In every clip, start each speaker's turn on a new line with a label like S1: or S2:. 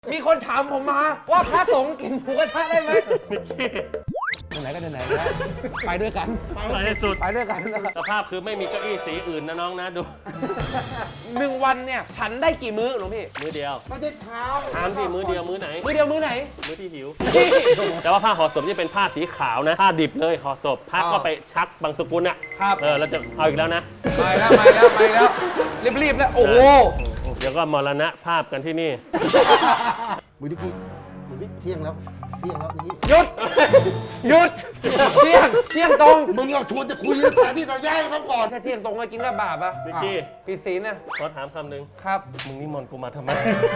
S1: มีคนถามผมมาว่าพระสงฆ์กินหมูกระทะได้ไหมไหนก็ไหนแล้วไปด้วยกัน
S2: ไปให้สุด
S1: ไปด้วยกัน
S2: สภาพคือไม่มีเก้าอี้สีอื่นนะน้องนะดู
S1: 1 วันเนี่ยฉันได้กี่มื้อหลวงพี่
S2: มื้อเดียว
S3: ไม่ได้เช้า
S2: ถามสิมื้อเดียวมื้อไหน
S1: มื้อเดียวมื้อไหน
S2: มื้อที่หิว แต่ว่าผ้าห่อศพนี่เป็นผ้าสีขาวนะผ้าดิบเลยห่อศพผ้าก็ไปชักบางสกุลอ่ะ
S1: ครับ
S2: เราจะเอาอีกแล้วนะ
S1: ไปแล้วรีบแล้วโอ้โห
S2: เดี๋ยวก็มรณะภาพกันที่นี่
S3: มือดิกี้มือดิเที่ยงแล้วนี่
S1: หยุดเที่ยงตรง
S3: มึงอยากชวนจะคุยสถานที่ต่างย่ายเขาก่อน
S1: ถ้าเที่ยงตรงก็กินกับบาปอ่ะ
S2: นิกกี้
S1: ผิดศีลนะ
S2: ขอถามคำหนึ่ง
S1: ครับ
S2: มึงนิมนต์กูมาทำไม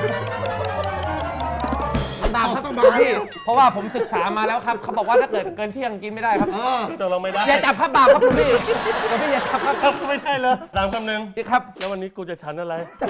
S1: ตามครับ
S3: ต้องมา
S1: พี่เพราะว่าผมศึกษามาแล้วครับเขาบอกว่าถ้าเกิดเกินเที่ยงกินไม่ได้ครับ
S2: ตกลงไม่ได้
S1: อย่าจับครับบาปครับคุณพี่อย่าจับครับ
S2: ครับไม่ได้เลยถามคำหนึ่ง
S1: พี่ครับ
S2: แล้ววันนี้กูจะฉันอะไร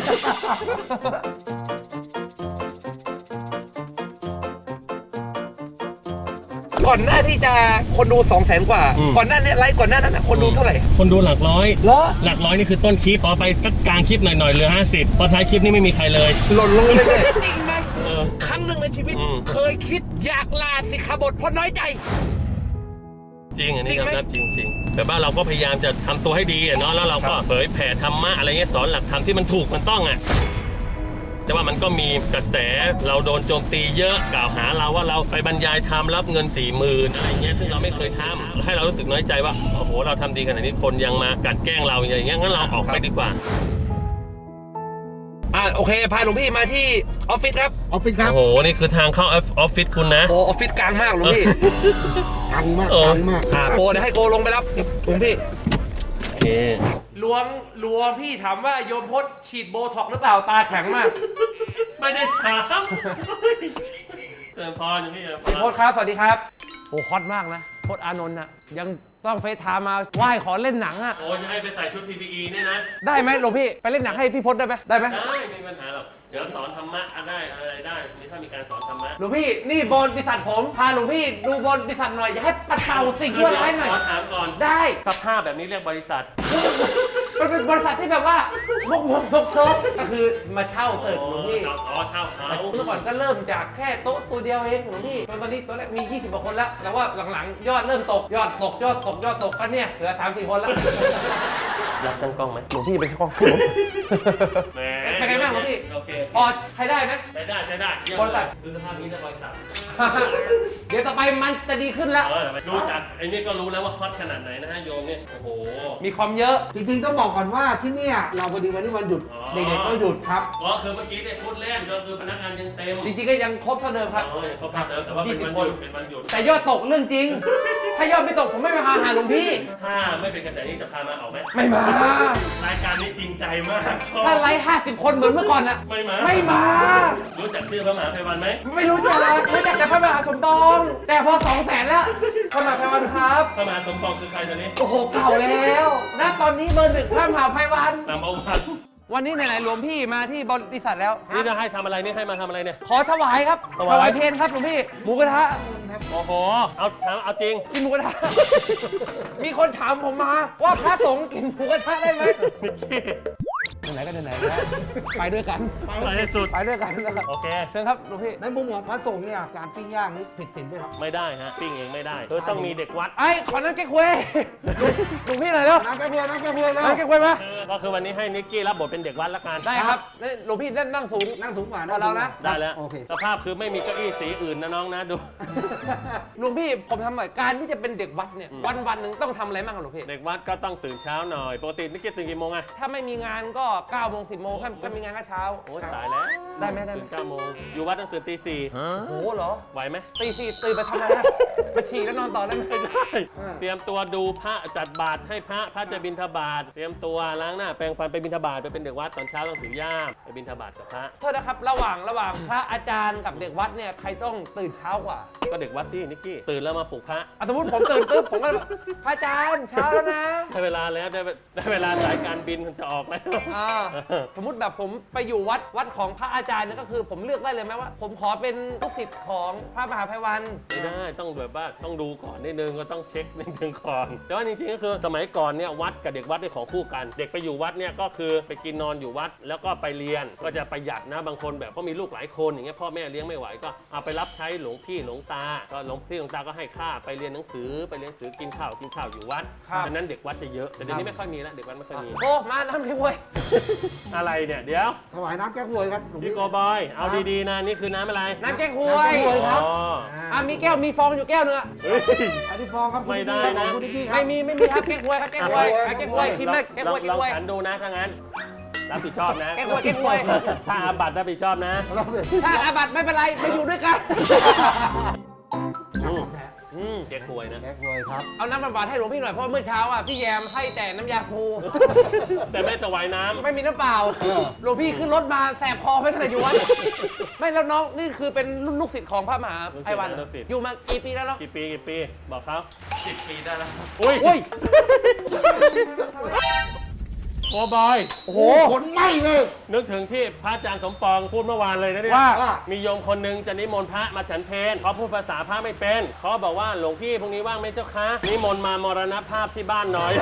S1: ก่อนหน้าที่จะคนดู 200,000 กว่า ก่อนหน้านี้ไลฟ์ก่อนหน้านั้นคนดูเท่าไหร่
S2: คนดูหลักร้อย
S1: เหรอ
S2: หลักร้อยนี่คือต้นคลิปพอไปสักกลางคลิปหน่อยๆเหลือ50พอท้ายคลิปนี่ไม่มีใครเลย
S1: หล่นลงเลยจริงไหม
S2: เออ
S1: ครั้งหนึ่งในชีวิต
S2: อืม
S1: เคยคิดอยากลาสิกขาบทเพราะน้อยใจ
S2: จริงอันนี้
S1: จริงไหม
S2: ยอมรับจริงแต่ว่าเราก็พยายามจะทำตัวให้ดีอะเนาะแล้วเราก็เผยแผ่ธรรมะอะไรเงี้ยสอนหลักธรรมที่มันถูกมันต้องอ่ะแต่ว่ามันก็มีกระแสเราโดนโจมตีเยอะกล่าวหาเราว่าเราไปบรรยายธรรมรับเงิน40,000อะไรเงี้ยซึ่งเราไม่เคยทำให้เรารู้สึกน้อยใจว่าโอ้โหเราทำดีขนาดนี้คนยังมากลั่นแกล้งเราอย่างเงี้ยงั้นเราออกไปดีกว่า
S1: โอเคพาหลวงพี่มาที่ออฟฟิศครับ
S3: ออฟฟิศครับ
S2: โอ้โหนี่คือทางเข้าออฟฟิศคุณนะ
S1: โอ้ออฟฟิศกลางมากหลวงพี่
S3: กังมาก
S2: เออ
S3: กังมาก
S1: โกเดี๋ยวให้โกลงไปรับหลวงพี่
S2: โอเค
S1: หลวงพี่ถามว่าโยมพจน์ฉีดโบท็อกหรือเปล่าตาแข็งมาก
S2: ไม่ได้ถามเติมพรอย่างนี้เหรอ
S1: พี่พจน์ครับสวัสดีครับโอ้ฮอตมากนะพจน์อานนท์น่ะยังต้องเฟซไทม์มาไหว้ขอเล่นหนังอ่ะ
S2: โอ้จะให้ไปใส่ชุด PPE เนี่ยนะ
S1: ได้ไหมหลวงพี่ไปเล่นหนังให้พี่พจน์ได้ไหมได้ไหม
S2: ได้ไม่มีปัญหาหรอกเดี๋ยวสอนธรรมะได้อะไรได้นี่ถ้ามีการสอนธรรมะ
S1: หลวงพี่นี่บริษัทผมพาหลวงพี่ดูบริษัทหน่อยอย่าให้ปัดเป่าสิ่งชั่วร้ายหน่อย
S2: ขอถามก่อน
S1: ได้
S2: สภาพแบบนี้เรียกบริษัท
S1: มันเป็นบริษัทที่แบบว่าบกเซิร์ฟก็คือมาเช่าตึกหลวงพี่
S2: อ๋อเช่าเขา
S1: เมื่อก่อนก็เริ่มจากแค่โต๊ะตัวเดียวเองหลวงพี่จนตอนนี้ตัวแรกมี20กว่าคนแล้วแต่ว่าหลังๆยอดเริ่มตกยอดตกก็เนี่ยเหลือ3-4 คนแล้ว
S2: รับช่างกล้องไหม
S1: หลวงพี่เป็นช่อง
S2: แหม
S1: เป็นไงบ้างหลวงพี่
S2: โอเค
S1: พอใช้ได้ไหม
S2: ใช้ได้เยี่ยม
S1: บริษัท
S2: คือสภาพนี้เรียกบริษัท
S1: เดี๋ยวต่อไปมันจะดีขึ้นแล้ว
S2: ดูจากไอ้นี่ก็รู้แล้วว่าฮอตขนาดไหนนะฮะโยมเนี่ยโอ้โห
S1: มีความเยอะ
S3: จริงๆต้องบอกก่อนว่าที่เนี่ยเราพอดีวันนี้วันหยุด
S2: อ๋อ
S3: เด็กๆก็หยุดครับ
S2: อ๋อคือเมื่อกี้เนี่ยพูดเล่นก็คือพนักงานยังเต็ม
S1: จริงๆก็ยังครบเท่าเดิมครับ
S2: อ๋อเขาพาเติมแต่ว่าเป็นวันหยุดเป็นวันหยุด
S1: แต่ยอดตกเรื่องจริง ถ้ายอดไม่ตกผมไม่มาหาหลวงพี่
S2: ถ้าไม่เป็นกระแสนี้จะพามาออกไหม
S1: ไม่มา
S2: รายการนี้จริงใจมากชอบ
S1: ถ้าไลฟ์50 คนเหมือนเมื่อก่อนอะ
S2: ไม่มา
S1: ไม่มา
S2: รู้จักชื่อพระมหาไพวันไหม
S1: ไม่รู้จักแต่พระมหาสมปอง แต่พอ200,000แล้วพระมหาไพวันครับ
S2: พระมหาสมปองคือใครตอนนี้
S1: โอ้โหเก่าแล้วณตอนนี้เบอร์ 1พระมหาไพวัน
S2: นำเอาวัน
S1: วันนี้ไหนๆหลวงพี่มาที่บริษัทแล้ว
S2: นี่จะให้ทำอะไรนี่ให้มาทำอะไรเนี่ย
S1: ขอถวายครับ
S2: ถวาย
S1: เพลครับหลวงพี่หมูกระทะ
S2: โอ้โหเอาจริง
S1: กินหมูกระทะ มีคนถามผมมาว่าพระสงฆ์กินหมูกระทะได้ไหม
S2: นิกกี้
S1: ไหนก็ไหนแล้วไปด้วยกัน
S2: ไปให้สุด
S1: ไปด้วยกัน
S2: โอเค
S1: เชิญครับหลวงพี่
S3: ในมุมของพระสงฆ์เนี่ยการปิ้งย่างนี่ผิดศีลไหมครับ
S2: ไม่ได้ฮะปิ้งเองไม่ได้คือต้องมีเด็กวัด
S1: ไอ้ขอน้ำแก้ควยหลวงพี่หน่อยเร็ว
S3: น้ำแก้เพื่อนน้ำแก้เพื่อนแล้ว
S1: น้ำแก้ควยมา
S2: ก็คือวันนี้ให้นิกกี้รับบทเป็นเด็กวัดละกัน
S1: ได้ครับนี่หลวงพี่เล่นนั่งสูง
S3: นั่งสูงกว่า
S1: เรานะ
S2: ได้แล้ว
S3: โอเค
S2: สภาพคือไม่มีเก้าอี้สีอื่นนะน้องนะดู
S1: หลวงพี่ผมทำหน่อยการที่จะเป็นเด็กวัดเนี่ย
S2: อืม
S1: วันหนึ่งต้องทำอะไรบ้างครับหลวงพี่
S2: เด็กวัดก็ต้องตื่นเช้าหน่อยปกตินิกกี้ตื่นกี่โมงอะ
S1: ถ้าไม่มีงานก็9 โมง 10 โมงถ้ามีงานก็เช้า
S2: โอ้ยตายแล้ว
S1: ได้ไหม
S2: ตื่น9 โมงอยู่วัดต้องตื่นตี 4
S1: โอ้โหเหรอ
S2: ไหวไหม
S1: ตีสี่ตื่นไปทำอะไรนะมาฉี่แล้วนอนต่อได้ไหม
S2: ไม่ได้ เตรียมตัวดูพระจัดบาตรให้พระจะบิณฑบาตเตรียมตัวล้างหน้าแปรงฟันไปบิณฑบาตไปเป็นเด็กวัดตอนเช้าต้องถือย่ามไปบิณฑบาตกับพระ
S1: โทษนะครับระหว่างพระอาจารย์กับเด็กวัดเนี่ยใครต้องตื่นเช้ากว่า
S2: ก็เด็กวัดที่นิกกี้ตื่นแล้วมาปลุกพระ
S1: สมมติผมตื่นปุ๊บผมก็พระอาจารย์เช้าแล้วนะ
S2: ได้เวลาแล้วได้เวลาสายการบินจะออกแล้ว
S1: สมมติแบบผมไปอยู่วัดของพระอาจารย์เนี่ยก็คือผมเลือกได้เลยไหมว่า ผมขอเป็นลูกศิษย์ของพระมหาไพวัน
S2: ไม่ได้ต้องแบบว่าต้องดูก่อนนิดนึงก็ต้องเช็คนิดนึงก่อนแต่ว่าจริงๆก็คือสมัยก่อนเนี่ยวัดกับเด็กวัดได้ของคู่กันเด็กไปอยู่อยู่วัดเนี่ยก็คือไปกินนอนอยู่วัดแล้วก็ไปเรียนก็จะประหยัดนะบางคนแบบก็มีลูกหลายคนอย่างเงี้ยพ่อแม่เลี้ยงไม่ไหวก็เอาไปรับใช้หลวงพี่หลวงตาก็หลวงพี่หลวงตาก็ให้ค่าไปเรียนหนังสือไปเรียนหนังสือกินข้าวอยู่วัดดังนั้นเด็กวัดจะเยอะแต่เดี๋ยวนี้ไม่ค่อยมีแล้วเด็กวัดไม่ค่อยมี
S1: โอ้มาน้ำแก้วย
S2: อะไรเนี่ยเดี๋ยว
S3: ถวายน้ำแก้วหวยครับหลวง
S2: พี่
S3: พี่
S2: โกบอยเอาดีๆนะนี่คือน้ำอะไร
S1: น้ำแก้วย
S3: น้ำแก้วยครับ
S1: มีแก้วมีฟองอยู่แก้วนึงอะ
S2: เฮ้ย
S3: อันนี้ฟองครับ
S2: ไม่ได้นะ
S3: คุณนิกกี้ครับ
S1: ไม่มีครับแก้วยครับแก้วยแก้วยคิดเลยแก้วย
S2: ลองฉันดูนะถ้างั้นรับผิดชอบนะ
S1: แก้วย
S2: ถ้าอาบัตรับผิดชอบนะ
S3: รับเลย
S1: ถ้าอาบัตไม่เป็นไรไปอยู่ด้วยกัน
S2: เจ๊กวยนะ
S3: แก้วหวยครับ
S1: เอาน้ำบำบัดให้หลวงพี่หน่อยเพราะเมื่อเช้าอ่ะพี่แยมให้แต่น้ำยาปู
S2: แต่ไม่ถวายน้ำ
S1: ไม่มีน้ำเปล่าหลวงพี่ขึ้นรถมาแสบคอไม่ขนาดอยู่วัดไม่แล้วน้องนี่คือเป็นลูกศิษย์ของพระมหาไพวันอยู่มากี่ปีแล้วเนาะ
S2: กี่ปีบอกเขา
S1: 10 ปีได้แล้ว
S2: อุ้ย
S1: โอ้ย
S2: โกบอย
S3: โอ้โหขนไหม้เลย
S2: นึกถึงที่พระอาจารย์สมปองพูดเมื่อวานเลยนะเนี่ย
S1: ว่า
S2: มีโยมคนหนึ่งจะนิมนต์พระมาฉันเพลเขาพูดภาษาพระไม่เป็นเขาบอกว่าหลวงพี่พรุ่งนี้ว่างไหมเจ้าคะนิมนต์มามรณภาพที่บ้านหน่อย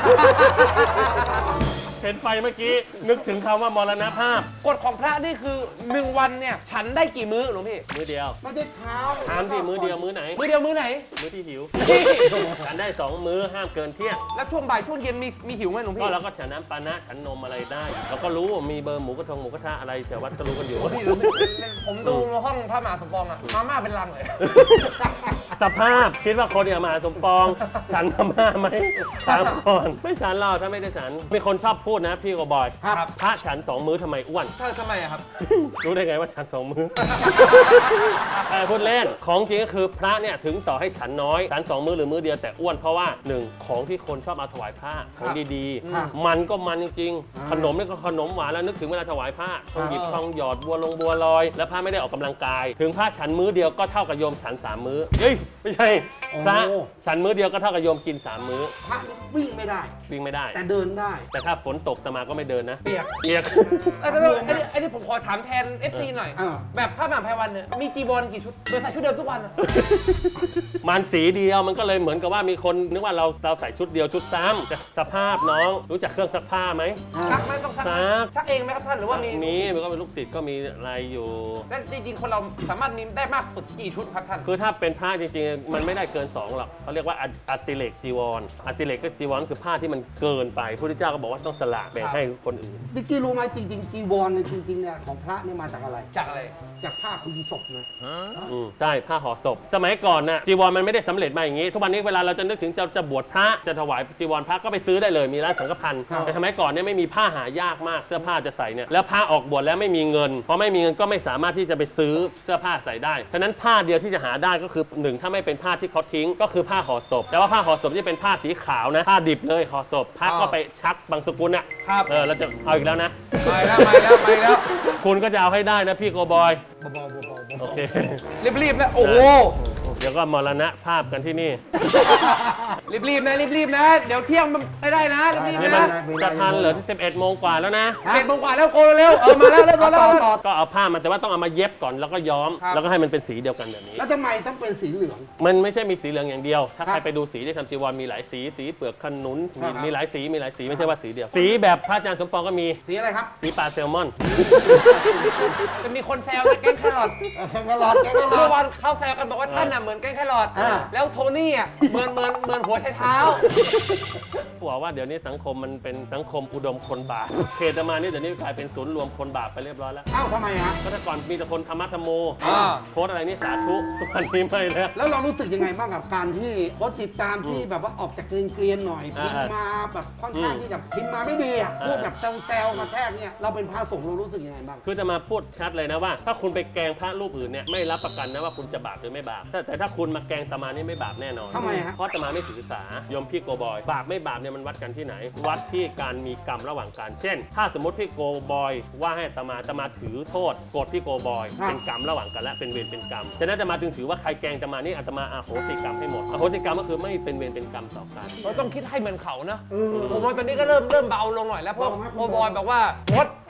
S2: เห็นไฟเมื่อกี้นึกถึงคำว่ามรณภาพ
S1: กฎของพระนี่คือ1 วันเนี่ยฉันได้กี่มื้อหลวงพี่
S2: มื้อเดียว
S3: ไม่ได้เช้า
S2: ถามที่มื้อเดียวมื้อไหน
S1: มื้อเดียวมื้อไหน
S2: มื้อที่หิว
S1: พี่
S2: ฉันได้2 มื้อห้ามเกินเที่ยง
S1: แล้วช่วงบ่ายช่วงเย็นมีหิวไหมหลวง
S2: ก็
S1: พี่
S2: เราก็ฉันน้ำปานะฉันนมอะไรได้เราก็รู้ว่ามีเบอร์หมูกระทะอะไรแถววัดก็รู้กันอยู่
S1: พี่ผมดูห้องพระมหาสมปองอะมาม่าเป็นลังเลย
S2: สภาพคิดว่าคนอย่างมหาสมปอง ฉันมาม่าไหมถามก่อนไม่ฉันเราถ้าไม่ได้ฉันมีคนชอบพูดนะพี่ก็บอย
S1: ครับ
S2: พระฉัน2 มื้อทำไมอ้วน
S1: ทำไมอะครับ
S2: รู้ได้ไงว่าฉัน2 มื้อ พูดเล่นของจริงก็คือพระเนี่ยถึงต่อให้ฉันน้อยฉัน2 มื้อหรือมื้อเดียวแต่อ้วนเพราะว่า1ของที่คนชอบเอาถวายพระของดี
S3: ครับ
S2: ๆมันก็มันจริง
S3: อ่า
S2: ๆขนมนี่ก็ขนมหวานแล้วนึกถึงเวลาถวายพระต้องหยิบทองหยอดบัวลอย แล้วพระไม่ได้ออกกำลังกาย ถึงพระฉันมื้อเดียวก็เท่ากับโยมฉัน3 มื้อเฮ้ยไม่ใช่พระฉันมื้อเดียวก็เท่ากับโยมกิน3 มื้อ
S3: พระนี่วิ่งไม่ได้
S2: วิ่งไม่ได้
S3: แต่เดินได้
S2: แต่ถ้าฝนตกอาตมาก็ไม่เดินนะ
S1: เปียก
S2: เปียก
S1: อันนี้ผมขอถามแทน FC หน่อย
S3: อ่า
S1: แบบพระมหาไพวันเนี่ยมีจีวรกี่ชุดโดยใส่ชุดเดิมทุกวันอะ
S2: มันสีเดียวมันก็เลยเหมือนกับว่ามีคนนึกว่าเราใส่ชุดเดียวชุดซ้ำแต่สภาพน้องรู้จักเครื่องซักผ้าไหม
S1: ซักไหมต้องซักไหม
S2: ซัก
S1: ซักเองไหมครับท่านหรือว่ามี
S2: มันก็เป็นลูกศิษย์ก็มีอะไรอยู่
S1: แล้วจริงๆคนเราสามารถมีได้มากสุดกี่ชุดครับท่าน
S2: คือถ้าเป็นผ้าจริงๆ มันไม่ได้เกิน2หรอกเขาเรียกว่าอัติเลกจีวรอัติเลกก็จีวรคือผ้าที่มันเกินไปพระพุทธเจ้าก็บอกว่าต้องสละแบ่งให้คนอื่น
S3: นิกกี้รู้ไหมจริงๆจีวรเนี่ยจริงๆเนี่ยของพระเนี่ยมาจากอะไร
S1: จากอะไร
S3: จากผ้าคลุมศพนะ
S2: ใช่ผ้าห่อศพสมัยก่อนน่ะจีวรมันไม่ได้สำเร็จมาอย่างนี้ ทุกวันนี้เวลาเราจะนึกถึงจะบวชพระจะถวายจีวรพระก็ไปซื้อได้เลยมีร้านสังฆพันธ์
S3: ครับ
S2: แต่สมัยก่อนเนี่ยไม่มีผ้าหายากมากเสื้อผ้าจะใส่เนี่ยแล้วผ้าออกบวชแล้วไม่มีเงินพอไม่มีเงินก็ไม่สามารถที่จะไปซื้อเสื้อผ้าใส่ได้ฉะนั้นผ้าเดียวที่จะหาได้ก็คือ1ถ้าไม่เป็นผ้าที่เขาทิ้งก็คือผ้าห่อศพแต่ว่าผ้าห่อศพที่เป็นผ้าสีขาวนะผ้าดิบเลยห่อศพพระก็ไปชักบางสกุลอ่ะ
S1: ครับ
S2: เราจะเอาอีกแล้วนะ
S1: ไปแล้ว
S2: คุณก็จะเอาให้ได้นะพี่โกบอย
S3: เบาๆ
S2: โอเค
S1: รีบๆนะโอ้โห
S2: เดี๋ยวก็มรณะภาพกันที่นี่
S1: รีบๆนะเดี๋ยวเที่ยงมันไม่ได้นะรีบ
S2: นี่
S1: ๆ
S2: มัน
S1: นะ
S2: จะทันเหรอที่11 โมงกว่าแล้วนะ
S1: 11 โมงกว่าแล้วโกเร็วมาแล้วเรียบร้อยแล้ว
S3: ต่อ
S2: ก็เอาผ้ามาแต่ว่าต้องเอามาเย็บก่อนแล้วก็ย้อม
S1: ครับ
S2: แล้วก็ให้มันเป็นสีเดียวกันแบบนี้
S3: แล้วทำไมต้องเป็นสีเหลือง
S2: มันไม่ใช่มีสีเหลืองอย่างเดียว ถ้า
S3: ครับ
S2: ใครไปดูสีที่ทำจีวรมีหลายสี สีเปลือกขนุน
S3: ครับ
S2: มีหลายสีไม่ใช่ว่าสีเดียว สีแบบพระอาจารย์สมปองก็มี
S3: สีอะไรครับ
S2: สีปลาแซลมอน
S1: จะมีคนแซวนะแกงแครอท
S3: แกงกะหลอดแกงกะหลอ
S1: เมื่
S3: ด
S1: อวานเข้าแซวกันบอกว่าท่านน่ะเหมือนแกงแครอท
S3: อ่า
S1: แล้วโทนี่อ่ะเหมือนหัวไชเท้า
S2: บอกว่าเดี๋ยวนี้สังคมมันเป็นสังคมอุดมคนบาปเขตมานี่เดี๋ยวนี้กลายเป็นศูนย์รวมคนบาปไปเรียบร้อยแล้ว
S3: อ้าวทำไมฮะ
S2: ก็แต่ก่อนมีแต่คนธรรมะธรรมโม
S1: อ่า
S2: โพสต์อะไรนี่สาธุทุกวันนี้ไม่แล้ว
S3: แล้วเรารู้สึกยังไงบ้างกับการที่โพสต์ติดตามที่แบบว่าออกจากเกรียนๆหน่อยพิมพ์มาแบบค่อนข้างที่จะพิมพ์มาไม่ดีอ่ะพูดแบบแซวๆกระแทกเนี่ยเราเป็นพระสงฆ์เรารู้สึกยังไงบ้าง
S2: คือจะมาพูดชัดเลยนะว่า ถ้าคุณไปแกล้งพระรูปอื่นเนี่ยไม่รับประกันนะว่าคุณจะบาปหรือไม่บาปแต่ถ้าคุณมาแกล้งตมานี่ไม่บาปแน่นอน
S3: ทำไมฮะ
S2: เพราะตมาไม่ถือสาโยมพี่โกบอยบาปไม่บาปเนี่ยมันวัดกันที่ไหน วัดที่การมีกรรมระหว่างกันเช่น ถ้าสมมติพี่โกบอยว่าให้ตมาถือโทษโกรธพี่โกบอย
S3: ครับ
S2: เป็นกรรมระหว่างกันและเป็นเวรเป็นกรรมฉะนั้นตมาจึงถือว่าใครแกล้งตมานี่อาตมาอโหสิกรรมให้หมดอโหสิกรรมก็คือไม่เป็นเวรเป็นกรรมต่อกัน
S1: เราต้องคิดให้เหมือนเขานะผมว่าตอนนี้ก็เริ่มเบาลงหน่อยแล้วเพราะ
S3: เบาไหม
S1: โคบอยบอกว่าโพสท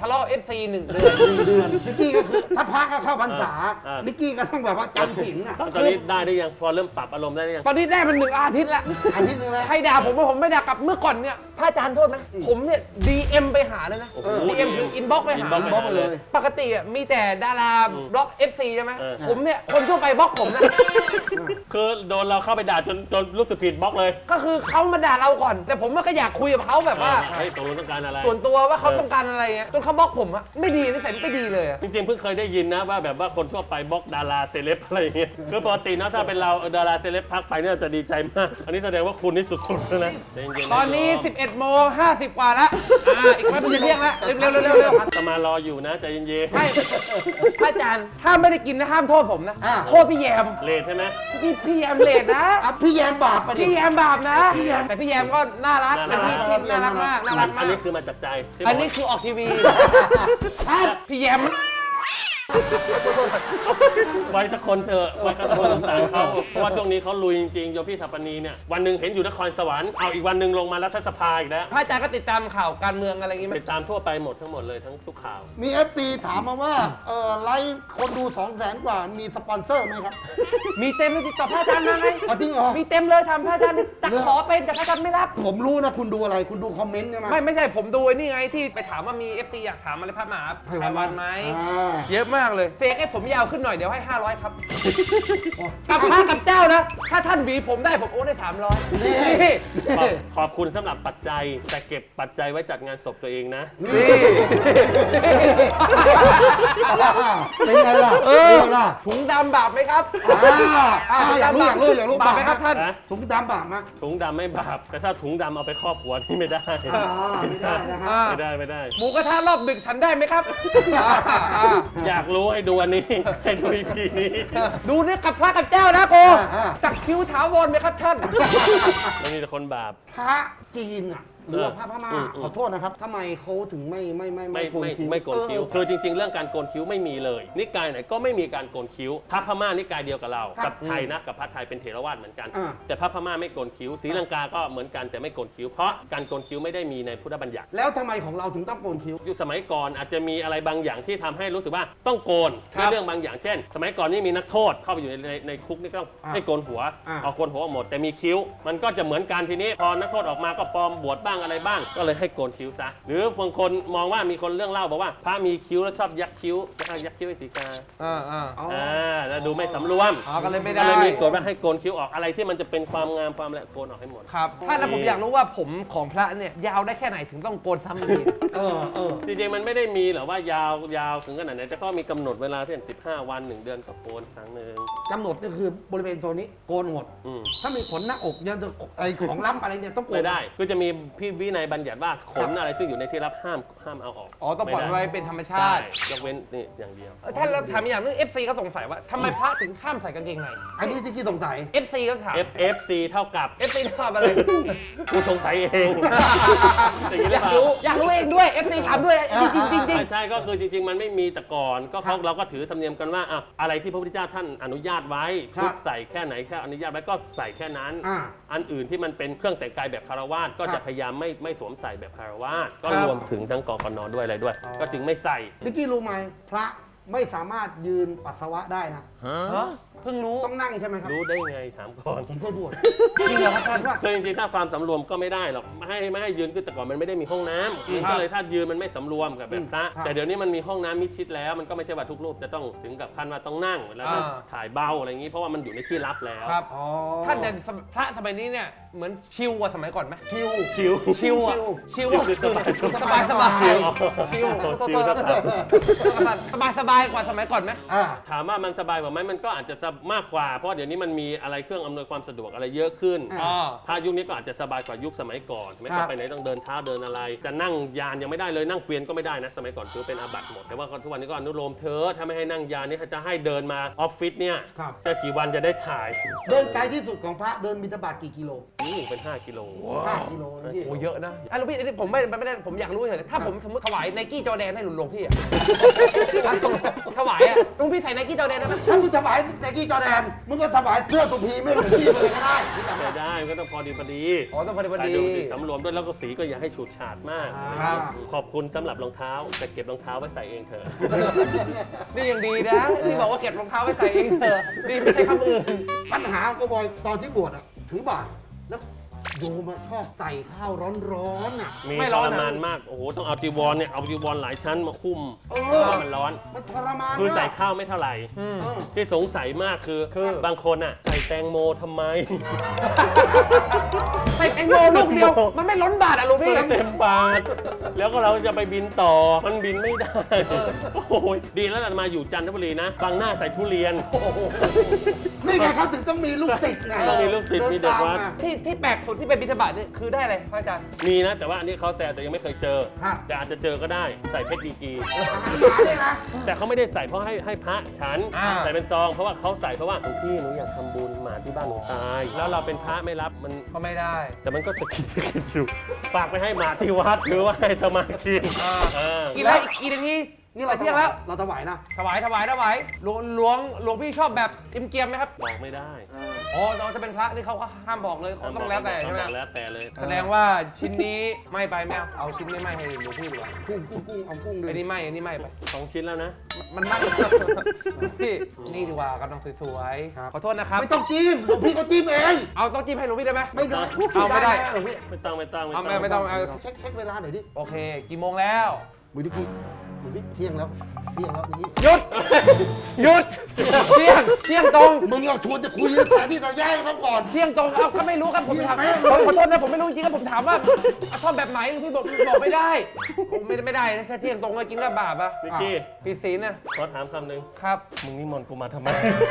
S1: ทะเลาะ FC 1 เดือน
S3: 1 เดือนนิกกี้ก็คือถ้าพักก็เข้าพรรษา นิกกี้ก็ต้องแบบว่าจำศีลอ่ะ
S2: ตอนนี้ได้หรือยังพอเริ่มปรับอารมณ์ได้หรือยัง
S1: ตอนนี้ได้มัน1 อาทิตย์ละ
S3: อาทิตย์นึงแล้ว
S1: ใครด่าผมว่าผมไม่ด่ากลับเมื่อก่อนเนี่ยพระอาจารย์โทษนะผมเนี่ย DM ไปหาเลยนะ
S2: โอ้โห
S1: DM ถึง inbox ไปหา
S3: บล็อกไปเลย
S1: ปกติมีแต่ดาราบล็อก FC ใช่ไหม
S2: เออ
S1: ผมเนี่ยคนทั่วไปบล็อกผมนะ
S2: คือโดนเราเข้าไปด่าจนรู้สึกผิดบล็อกเลย
S1: ก็คือเขามาด่าเราก่อน แต่ผมก็อยากคุยกับเขาแบบว่า
S2: เฮ้ยตกลงต้องการอะไร
S1: ส่วนตัวว่าเขาต้องการอะไรเงี้ยจนเขาบล็อกผมอะไม่ดีนิสัยไม่ดีเลยอะ
S2: จริงๆเพิ่งเคยได้ยินนะว่าแบบว่าคนทั่วไปบล็อกดาราเซเลบอะไรอย่างเงี้ยคือปกตินะถ้าเป็นเราดาราเซเลบทักไปเนี่ยจะดีใจมาก อันนี้แสดงว่าคุณนี่สุดๆแล้วนะใจเย็ๆะ
S1: ตอนนี้ 11:50 กว่าแล้วอีกไม่เป็นจะเที่ยงแล้วเร็วๆเร็วๆ
S2: จะมารออยู่นะใจเย็น
S1: ไม่พระอาจารย์ถ้าไม่ได้กินนะห้ามโทษผมนะ โทษพี่แยม
S2: ๆเลทใช่ไหม
S1: พี่แยมเลดนะ
S3: อ่ะพี่แยมบาปปะดิ
S1: พี่แยมบาปนะ แต่พี่แยมก็น่ารักเป็นพี่ที่น่ารักมากน่ารัก
S2: อั
S1: มาน ก
S2: นี้คือมาจากใจที่บก
S1: อันนี้คือออกทีวีครับพี่แยม
S2: ไว้สักคนเถอะไว้สักคนต่างเขาเพราะว่าช่วงนี้เขาลุยจริงๆโยพี่ถัปปนีเนี่ยวันหนึ่งเห็นอยู่นครสวรรค์เอาอีกวันหนึ่งลงมารัฐสภาอีกแล้ว
S1: พระอาจารย์ก็ติดตามข่าวการเมืองอะไรอย่างงี้ไหม
S2: ติดตามทั่วไปหมดทั้งหมดเลยทั้งทุกข่าว
S3: มี FC ถามมาว่าไลฟ์คนดู 200,000 กว่ามีสปอนเซอร์ไหมครับ
S1: มีเต็มเลยติดต่อพระอาจารย์มาไหม
S3: เอาจริงเหรอ
S1: มีเต็มเลยทำพระอาจารย์ตักขอเป็นแต่พระอาจารย์ไม่รับ
S3: ผมรู้นะคุณดูอะไรคุณดูคอมเมนต์ใช่ไหม
S1: ไม่ใช่ผมดูไอ้นี่ไงที่ไปถามว่ามี FC อยากถามอะไรพระมหาไพวันไหม
S3: อ่า
S1: เยอะมากเลยเฟกให้ผมยาวขึ้นหน่อยเดี๋ยวให้ 500 ครับ
S3: โอ้
S1: กับพระกับเจ้านะ ถ้าท่านหวีผมได้ผมโอนได้ 300
S3: นี่
S1: นี่
S2: ขอบคุณสำหรับปัจจัยแต่เก็บปัจจัยไว้จัดงานศพตัวเองนะ
S3: นี่เป็นไงล่ะ
S1: เอ
S3: เป็น
S1: อ
S3: ไงล่ะ
S1: ถุงดำบาปไหมครับ
S3: อยากรู้
S1: บาปไหมครับท่าน
S2: นะ
S3: ถุงดำบาปไหม
S2: ถุงดำไม่บาปแต่ถ้าถุงดำเอาไปครอบหัวนี่ไม่ได้
S3: ไม่ได้นะครับ
S2: ไม่ได้ไม่ได้
S1: หมูกระทะรอบดึกฉันได้ไหมครับ
S2: อยากรู้ให้ดูอันนี้ ให้ดูอีพีนี้
S1: ดูเนี่ยกับพระกับเจ้านะโกสักคิ้วถาวรไหมครับท่าน
S2: มันมีแต่คนบาป
S3: พระจีนอ่ะหรือว่าพระพม่า
S2: อืม
S3: ขอโทษนะครับทำไมเขาถึงไม่โกนคิ้ว
S2: ไม่โกนคิ้ว คือจริงๆ เรื่องการโกนคิ้วไม่มีเลย นิกายไหนก็ไม่มีการโกนคิ้ว พระพม่านิกายเดียวกับเรา กับไทยนะ กับพระไทยเป็นเถรวาทเหมือนกัน แต่พระพม่าไม่โกนคิ้ว ศรีลังกาก็เหมือนกันแต่ไม่โกนคิ้ว เพราะการโกนคิ้วไม่ได้มีในพุทธบัญญัติ
S3: แล้วทำไมของเราถึงต้องโกนคิ้ว
S2: ยุคสมัยก่อนอาจจะมีอะไรบางอย่างที่ทำให้รู้สึกว่าต้องโกน
S1: ครับ
S2: ในเรื่องบางอย่างเช่น สมัยก่อนนี่มีนักโทษเข้าไปอยู่ในคุกนี่ก็ต้องให้โกนหัว เอาโกนหัวหมดแต่มีคิ้ว มันก็จะเหมือนกันทีนี้พอนักโทษออกมาก็ปลอมบวชบ้างอะไรบ้าง ก็เลยให้โกนคิ้วซะหรือบางคนมองว่ามีคนเรื่องเล่าบอกว่าพระมีคิ้วแล้วชอบยักคิ้วยักคิ้วให้สีกา
S3: อ๋อ
S2: แล้วดูไม่สำรวม
S1: อ๋อก็เลยไม่
S2: ก็
S1: ได้
S2: เลยมีกฎว่าให้โกนคิ้วออกอะไรที่มันจะเป็นความงามความอะไรโกนออกให้หมด
S1: ครับท่านแล้วผมอยากรู้ว่าผมของพระเนี่ยยาวได้แค่ไหนถึงต้องโกนซ้ำอีกที
S2: จริงๆมันไม่ได้มีหรอกว่ายาวถึงขนาดไหนแต่ก็มีกำหนดเวลาเช่น15 วัน 1 เดือนก็โกนครั้งหนึ่ง
S3: กำหนดก็คือบริเวณโซนนี้โกนหมด
S2: อืม
S3: ถ้ามีขนหน้าอกยังจะไอของล้ำอะไรเนี่ยต้องโกน
S2: ไม่ได้คือจะมีพี่วินัยบัญญัติว่าขนอะไรซึ่งอยู่ในที่รับห้ามเอาออก
S1: อ๋อต้องปล่อยไว้เป็นธรรมชา
S2: ใช่
S1: ติ
S2: ยกเว้นนี่อย่างเดียว
S1: ท่านเราถามอีกอย่างนึง FC เขาสงสัยว่าทำไมพระถึงห้ามใส่กางเกงใน
S3: อันนี้ที่สงสัย
S1: FC ก็ถาม
S2: FC เท่ากับ
S1: FC ถามอะไร
S2: กูสงสัยเองอย่างนี้ห
S1: อ
S2: รื
S1: ยา
S2: อก เปล่า
S1: อยากรู้เองด้วย FC ถามด้วยจริง
S2: ใช่ก็คือจริงๆ มันไม่มีแต่ก่อนก็เราก็ถือธรรมเนียมกันว่าอะไรที่พระพุทธเจ้าท่านอนุญาตไว้
S3: ครับ
S2: ชุดใส่แค่ไหนแค่อนุญาตไว้ก็ใส่แค่นั้น อันอื่นที่มันเป็นเครื่องแต่งกายแบบคารวาสก็
S3: ครั
S2: จะ
S3: บ
S2: พยายามไม่สวมใส่แบบคารวาสก็
S1: ครับ
S2: รวมถึงทั้งกกนด้วยอะไรด้วย ก็จึงไม่ใส่
S3: นิกกี้รู้ไหมพระไม่สามารถยืนปัสสาวะได้นะ
S1: ฮะเพิ่งรู้
S3: ต้องนั่งใช่ไหมครับ
S2: รู้ได้ไงถามก่อน
S3: ผมเคยบวช
S1: จริงเหรอครับท่าน
S2: คือจริงๆถ้าความสำรวมก็ไม่ได้หรอกไม่ให้ยืนคือแต่ก่อนมันไม่ได้มีห้องน้ำมันก็เลยถ้ายืนมันไม่สำรวมกับแบบพระ
S3: ครับ
S2: แต่เดี๋ยวนี้มันมีห้องน้ำมิดชิดแล้วมันก็ไม่ใช่ว่าทุกรูปจะต้องถึงกับขั้นว่าต้องนั่งแล้วก็ถ่ายเบาอะไรอย่างนี้เพราะว่ามันอยู่ในที่ลับแล้ว
S1: ครับ
S3: อ๋อ
S1: ท่านแต่พระสมัยนี้เนี่ยเหมือนชิลกว่าสมัยก่อนไหม
S3: คิว
S2: ชิว
S1: ชิลอะชิลอะ
S2: คือสบาย
S1: สบาย
S3: ชิล
S1: ชิล
S2: ชิลนะครับ
S1: สบายกว่าสมัยก่อนไหม
S2: ถามว่ามันสบายกว่าไหมมันก็อาจจะมากกว่าเพราะเดี๋ยวนี้มันมีอะไรเครื่องอำนวยความสะดวกอะไรเยอะขึ้น
S1: อ๋อ
S2: ถ้ายุคนี้ก็อาจจะสบายกว่ายุคสมัยก่อนไม่ต้องไปไหนต้องเดินเท้าเดินอะไร จะนั่งยานยังไม่ได้เลยนั่งเกวียนก็ไม่ได้นะสมัยก่อนถือเป็นอาบัติหมดแต่ว่าทุกวันนี้ก็อนุโลมเธอถ้าไม่ให้นั่งยานนี่จะให้เดินมาออฟฟิศเนี่ย
S3: ครับ
S2: จะกี่วันจะได้ถ่าย
S3: เดินไกลที่สุดของพระเดินบิณฑบาตกี่กิโล
S2: นี่เป็น5 กิโล
S3: 5 กิโลนะพี่
S1: โอ้เยอะนะหลวงพี่อันนี้ผมไม่ได้ผมอยากรู้เฉยๆถ้าผมสมมติถวายไนกี้จอแดนให้หลวงพี่อะถวายอ่ะหลวงพี่ใส่ไนกี้จอร์แดนได้ไหม
S3: ถ้ามึงถวายไนกี้จอร์แดนมึงก็ถวายเสื้อสุพีไม่เหมือนพี่เลยก็ได้ที่จำ
S2: ไม่
S3: ได้
S2: ได้มันก็ต้องพอดี
S1: อ๋อต้องพอดีพอ
S2: แต่
S1: ดี
S2: ดูสิสำรวมด้วยแล้วก็สีก็อย่าให้ฉูดฉาดมาก
S1: ครับ
S2: ขอบคุณสำหรับรองเท้าแต่เก็บรองเท้าไว้ใส่เองเถอะ
S1: นี่ยังดีนะที่บอกว่าเก็บรองเท้าไว้ใส่เองเถอะนี่ไม่ใช่คำอื่น
S3: ปัญหาของกูบอยตอนที่บวชอะถือบาตรแล้วโยมอะชอบใส่ข้าวร้อนๆอะ
S2: มี
S1: ไม่
S2: ท
S1: ร้อน
S2: ร
S1: นะ
S2: มานมาก โอ้โห ต้องเอาจีวรเนี่ย เอาจีวรหลายชั้นมาคุ้ม
S3: เอ
S2: เพ
S3: อ
S2: ราะมันร้อน
S3: มันทรมาน
S2: คือใส่
S3: มาก
S2: ข้าวไม่เท่าไหร่
S1: อืม
S3: เออ
S2: ที่สงสัยมากคือบางคนอ่ะ ใส่แตงโมทำไม
S1: ใส่แตงโมลูกเดียว มันไม่ล้นบาทอ่ะหลวงพี่
S2: เต็มปากแล้วก็เราจะไปบินต่อ มันบินไม่ได้ โอ้โหดีแล้วเรามาอยู่จันทบุรีนะ บางหน้าใส่ทุเรียน
S3: นี่ไงเขาถึงต้องมีลูกศิษย์ไง
S2: ต้องมีลูกศิษย์มีเด็กวัด
S1: ที่แปลกสุดที่เป็นบิณฑบาตนี่คือได้อะไรพระอาจารย์
S2: มีนะ แต่ว่าอันนี้เขาแซวแต่ยังไม่เคยเจอ
S3: ครับ
S2: แต่อาจจะเจอก็ได้ ใส่เพชรดีกรี
S3: อาหารหมาเนี่ยนะ
S2: แต่เขาไม่ได้ใส่เพราะให้พระฉัน
S1: อ่า
S2: ใส่เป็นซอง เพราะว่าเขาใส่เพราะว่าหลวงพี่หนูอยากทำบุญหมาที่บ้านหนูตาย แล้วเราเป็นพระไม่รับมัน
S1: ก็ไม่ได้
S2: แต่มันก็จะกินอยู่ฝากไปให้หมาที่วัดหรือว่าให้ตมากิน
S1: อ่า
S2: เออ
S1: กินแล้วอีกนาที
S3: นี่เรา
S1: เที่ยงแล้ว
S3: เราถวายนะ
S1: ถวายหลวงพี่ชอบแบบเกรียมๆไหมครับ
S2: บอกไม่ได้
S1: อ๋อน้องจะเป็นพระนี่เขาก็ห้ามบอกเลยเขาต้องแล้วแต่ใช่ไหม
S2: ต้องแล้วแต่เลย
S1: แสดงว่าชิ้นนี้ไม่ไปแมวเอาชิ้นนี้ไม่ให้หลวงพี่ดีกว่า
S3: กุ้งเอากุ้งดู
S1: อันนี้ไม่ไป
S2: 2 ชิ้นแล้วนะ
S1: มันไม่พี่นี่ดีกว่ากำลังสวยๆขอโทษนะครับ
S3: ไม่ต้องจิ้มหลวงพี่เขาจิ้มเอง
S1: เอาต้องจิ้มให้หลวงพี่ได้ไหม
S3: ไม่ได้
S1: เอาไม่ได้
S3: หลวงพี่
S2: ไม่ต้อง
S1: ไม่ต้องเอา
S3: เช็คเวลาหน่อยดิ
S1: โอเคกี่โมงแล้ว
S3: มือดิกี้มือดิเที่ยงแล้วนี่
S1: หยุดเที่ยงตรง
S3: มึงเอาชวนจะคุยแทนที่จะแย่งเขาก่อน
S1: เที่ยงตรงเอาก็ไม่รู้ครับผมถามขอโทษนะผมไม่รู้จริงๆครับผมถามว่าชอบแบบไหนหลวงพี่บอกไม่ได้ไม่ได้นะแค่เที่ยงตรงก็กินก็บาปอะ
S2: นิกกี้
S1: ผิดศีลนะ
S2: ขอถามคำหนึ่ง
S1: ครับ
S2: มึงนิมนต์กูมาทำไม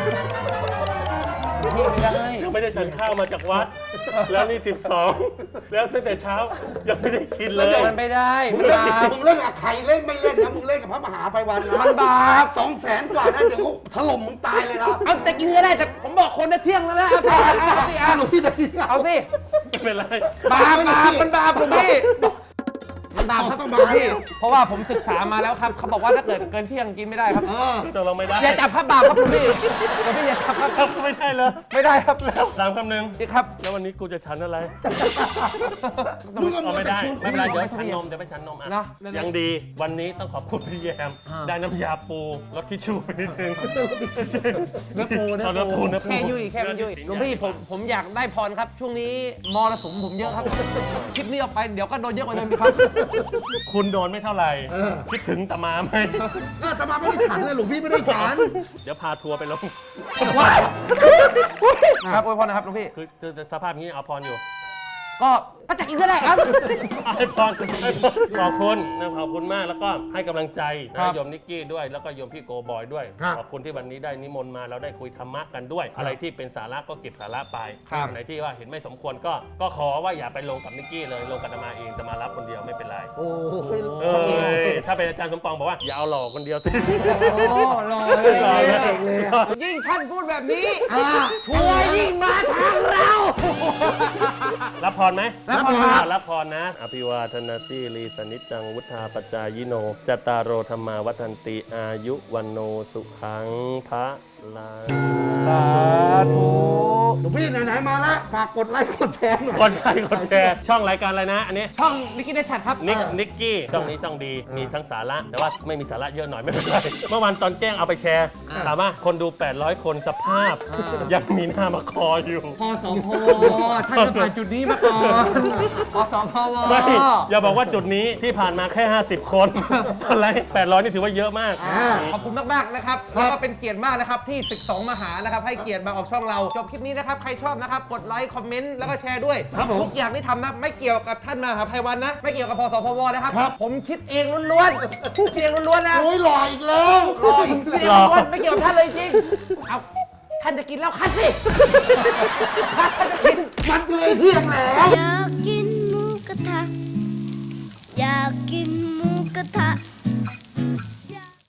S1: พี่ไม่ได้
S2: ยังไม่ได้ฉันข้าวมาจากวัด แล้วนี่ 12 แล้วตั้งแต่เช้ายังไม่ได้กินเลย
S1: มันไม่ได้
S3: มึง
S1: บาป
S3: เล่นกับใครเล่นไม่เล่นนะมึงเล่นกับพระมหาไพวันนะ
S1: มันบาป
S3: 200,000 กว่านะเดี๋ยวเขาถล่มมึงตายเลยนะ
S1: เอาแต่กินก็ได้แต่ผมบอกคนนะเที่ยงแล้วนะเอาสิ
S3: หลวงพี่จะกิน
S1: เอาสิ
S2: ไม่เป็นไร
S1: บาปมันบาปหลวงพี่มันบาปครับ
S3: ต้อง
S1: หล
S3: มาว
S1: งพี่เพราะว่าผมศึกษามาแล้วครับเขาบอกว่าถ้าเกิดเกินเที่ยงกินไม่ได้ครับ
S2: ตกลงไม่ได้
S1: อย่าจับพระบาปครับหลวงพี่หลวงพี่อย่าจับครับ
S2: ไม่ได้เลย
S1: ไม่ได้ครับแล้ว
S2: ถามคำหนึ่ง
S1: พี่ครับ
S2: แล้ววันนี้กูจะฉันอะไร
S3: มึงก็
S2: เอาไม่ได้ ไม่เป็นไรเดี๋ยว
S1: ไม่ต้อง
S2: ฉันนมเดี๋ยวไปฉันนมอ่ะ
S1: เนอะ
S2: ยังดีวันนี้ต้องขอบคุณพี่แยม
S1: อ่า
S2: ได้น้ำยาปูรสทิชชู่ไปนิดนึง
S1: เนื้อปู
S2: เอาเนื้อปู
S1: แค่ยุ่ยแค่มันยุ่ยหลวงพี่ผมอยากได้พรครับ ช่วงนี้มรสุมผมเยอะครับคลิปนี้ออกไปเดี๋ยวก็โดนเยอะกว่าเดิมอีกครับ
S2: คุณโดนไม่เท่าไหร่ คิดถึงตามาไหม
S3: แต่มาไม่ได้ฉันเลยหลวงพี่ไม่ได้ฉัน
S2: เดี๋ยวพาทัวร์ไปลง
S1: ครับอวยพรนะครับหลวงพี่
S2: คือสภาพนี้เอาพรอยู่
S1: ก็ถ้าจะกินก็ได้ครับ
S2: ให้พรขอบคุณนะขอบคุณมากแล้วก็ให้กำลังใจ
S1: ครั
S2: นะ
S1: บ
S2: โยมนิกกี้ด้วยแล้วก็โยมพี่โกบอยด้วย
S3: ครับ
S2: ขอบคุณที่วันนี้ได้นิมนต์มาเราได้คุยธรรมะกันด้วย อะไรที่เป็นสาระก็เก็บสาระไป
S1: ครับ
S2: ไหนที่ว่าเห็นไม่สมควรก็ขอว่าอย่าไปลงกับนิกกี้เลยลงกับอาตมาเองจะมารับคนเดียวไม่เป็นไร
S3: โอ้ย
S2: เอ้ยถ้าเป็นอาจารย์สมปองบอกว่าอย่าเอาหลอกคนเดียวสิ
S1: รอ
S2: รอ
S3: เลย
S1: ยิ่งท่านพูดแบบนี้
S3: ทัวร์ยิ่งมาทางเรา
S2: รับพรไหม
S1: รับพรครับ
S2: รับพรนะ อภิวาทนาสีลีสนิจจังวุธาปจายโนจตารโรธรรมาวัฒนติอายุวันโนสุขังพระลา
S1: สาธุ
S3: หลวงพี่ไหนๆมาแล้วฝากกดไลค์กดแชร์หน่อย
S2: กดไลค์กดแชร์ช่องรายการอะไรนะ อันนี้
S1: ช่องนิกกี้ได้ชัดครับ
S2: นิกกี้ช่องนี้ช่องดีมีทั้งสาระ แต่ว่าไม่มีสาระเยอะหน่อยไม่เป็นไรเมื่อวานตอนแจ้งเอาไปแชร์ถามว่าคนดู 800 คนสภาพ ยังมีหน้ามาคออยู่
S1: พสพท่านจะผ่านจุดนี้มาก่อนพสพว
S2: ไม่อย่าบอกว่าจุดนี้ที่ผ่านมาแค่ 50 คนอะไร800 นี่ถือว่าเยอะมาก
S1: ขอบคุณมากๆนะครับแล้วก็เป็นเกียรติมากนะครับที่ศึก2มหานะครับให้เกียรติมาออกช่องเราจบคลิปนี้นะครับใครชอบนะครับกดไลค์คอมเมนต์แล้วก็แชร์ด้วยทุกอย่างที่ทำนะไม่เกี่ยวกับท่านมหาภัยวันนะไม่เกี่ยวกับพสพวนะครับผมคิดเองล้วนๆคิดเองล้วนๆนะ
S3: โอ้ยหล่ออีกแล้วหล่ออีก
S1: คิดเอง
S3: แล้ว
S1: ล้วนๆไม่เกี่ยวกับท่านเลยจริงเอาท่านจะกินแล้วคัดสิท่านจะกิน
S3: มันเลยเที่ยงแล้ว
S4: อยากกินหมูกระทะ อยากกินหมูกระทะ